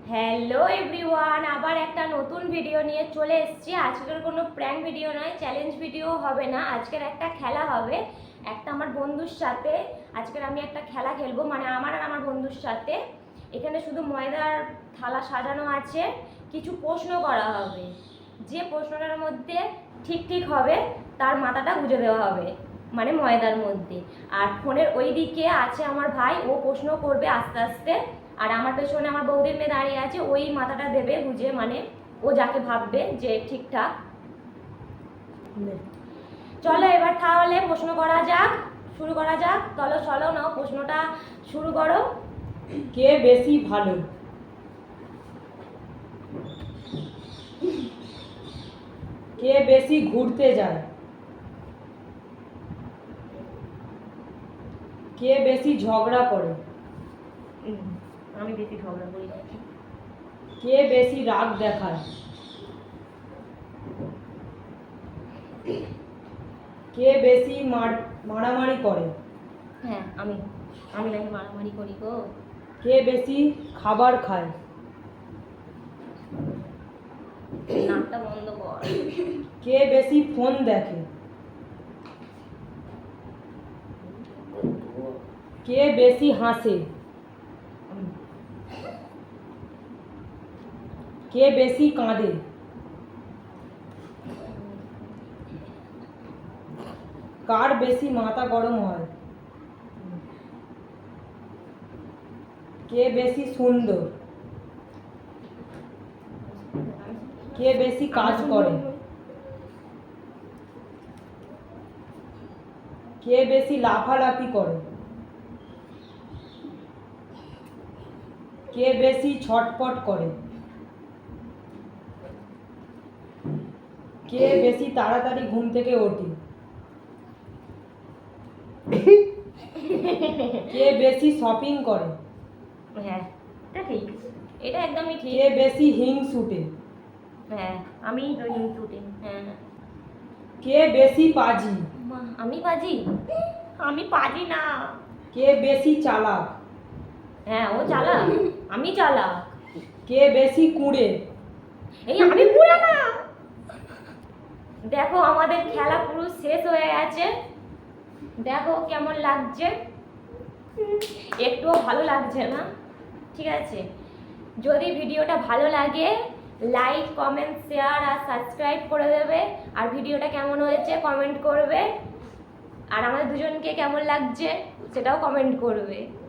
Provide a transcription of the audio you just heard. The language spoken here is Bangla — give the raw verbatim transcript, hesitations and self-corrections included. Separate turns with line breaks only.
হ্যালো এভরিওয়ান, আবার একটা নতুন ভিডিও নিয়ে চলে এসেছি। আজকের কোনো প্র্যাঙ্ক ভিডিও নয়, চ্যালেঞ্জ ভিডিও হবে না। আজকের একটা খেলা হবে একটা আমার বন্ধুর সাথে। আজকের আমি একটা খেলা খেলবো, মানে আমার আর আমার বন্ধুর সাথে। এখানে শুধু ময়দার থালা সাজানো আছে, কিছু প্রশ্ন করা হবে। যে প্রশ্নটার মধ্যে ঠিক ঠিক হবে তার মাথাটা গুঁজে দেওয়া হবে, মানে ময়দার মধ্যে। আর ফোনের ওই দিকে আছে আমার ভাই, ও প্রশ্ন করবে আস্তে আস্তে। আর আমার পেছনে আমার বৌদির মেয়ে দাঁড়িয়ে আছে, ওই মাথাটা দেবে বুঝে, মানে ও যাকে ভাববে যে ঠিকঠাক। চলো এবার তাহলে প্রশ্ন করা যাক, শুরু করা যাক। চলো চলো নাও, প্রশ্নটা শুরু করো।
কে বেশি ভালো? কে বেশি ঘুরতে যায়? কে বেশি ঝগড়া করে?
আমি বেশি ঝগড়া করি।
কে বেশি রাগ দেখায়? কে বেশি মারামারি করে?
হ্যাঁ, আমি আমি নাকি মারামারি করি গো।
কে বেশি খাবার খায়?
নাকটা বন্ধ কর।
কে বেশি ফোন দেখে? কে বেশি হাসে? কে বেশি কাঁদে? কার বেশি মাথা গরম হয়? কে বেশি সুন্দর? কে বেশি কাজ করে? কে বেশি লাফালাফি করে? কে বেশি ছটপট করে? কে বেশি তাড়াতাড়ি ঘুম থেকে ওঠে? কে বেশি শপিং করে?
হ্যাঁ, এটা ঠিক, এটা একদমই ঠিক।
কে বেশি হিংসুটে?
হ্যাঁ, আমি তো হিংসুটে। হ্যাঁ।
কে বেশি পাজি?
আমি পাজি? আমি পাজি না।
কে বেশি চালাক?
হ্যাঁ, ও চালাক, আমি চালাক।
কে বেশি কুঁড়ে?
এই আমি পুরা না। দেখো আমাদের খেলা পুরো শেষ হয়ে গেছে, দেখো কেমন লাগছে। একটুও ভালো লাগছে না, ঠিক আছে। যদি ভিডিওটা ভালো লাগে লাইক কমেন্ট শেয়ার আর সাবস্ক্রাইব করে দেবে। আর ভিডিওটা কেমন হয়েছে কমেন্ট করবে। আর আমাদের দুজনকে কেমন লাগছে সেটাও কমেন্ট করবে।